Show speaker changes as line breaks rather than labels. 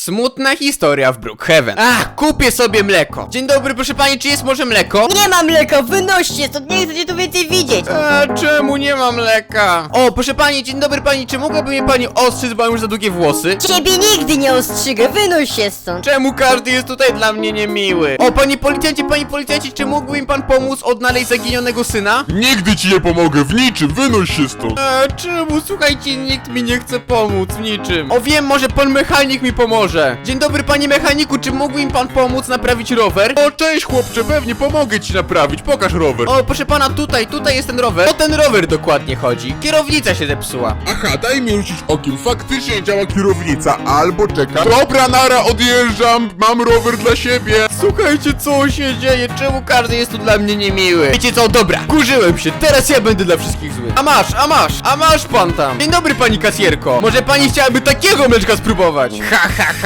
Smutna historia w Brookhaven. Ach, kupię sobie mleko. Dzień dobry, proszę pani, czy jest może mleko?
Nie mam mleka, wynoście stąd, nie chcę cię tu więcej widzieć.
Czemu nie ma mleka? O, proszę pani, dzień dobry pani, czy mogłaby mnie pani ostrzyc, bo mam już za długie włosy?
Ciebie nigdy nie ostrzygę, wynoś się stąd.
Czemu każdy jest tutaj dla mnie niemiły? O, panie policjancie, czy mógłby mi pan pomóc odnaleźć zaginionego syna?
Nigdy ci nie pomogę w niczym, wynoś się stąd.
Czemu? Słuchajcie, nikt mi nie chce pomóc w niczym. O, wiem, może pan mechanik mi pomoże. Dzień dobry, panie mechaniku, czy mógłby mi pan pomóc naprawić rower?
O, cześć chłopcze, pewnie pomogę ci naprawić, pokaż rower.
O, proszę pana, tutaj jest ten rower. O ten rower dokładnie chodzi. Kierownica się zepsuła.
Aha, daj mi rzucić okiem, faktycznie działa kierownica, albo czeka. Dobra, nara, odjeżdżam, mam rower dla siebie.
Słuchajcie, co się dzieje? Czemu każdy jest tu dla mnie niemiły? Wiecie co, dobra, kurzyłem się, teraz ja będę dla wszystkich zły. A masz pan tam. Dzień dobry, pani kasjerko. Może pani chciałaby takiego mleczka spróbować? Ha, ha,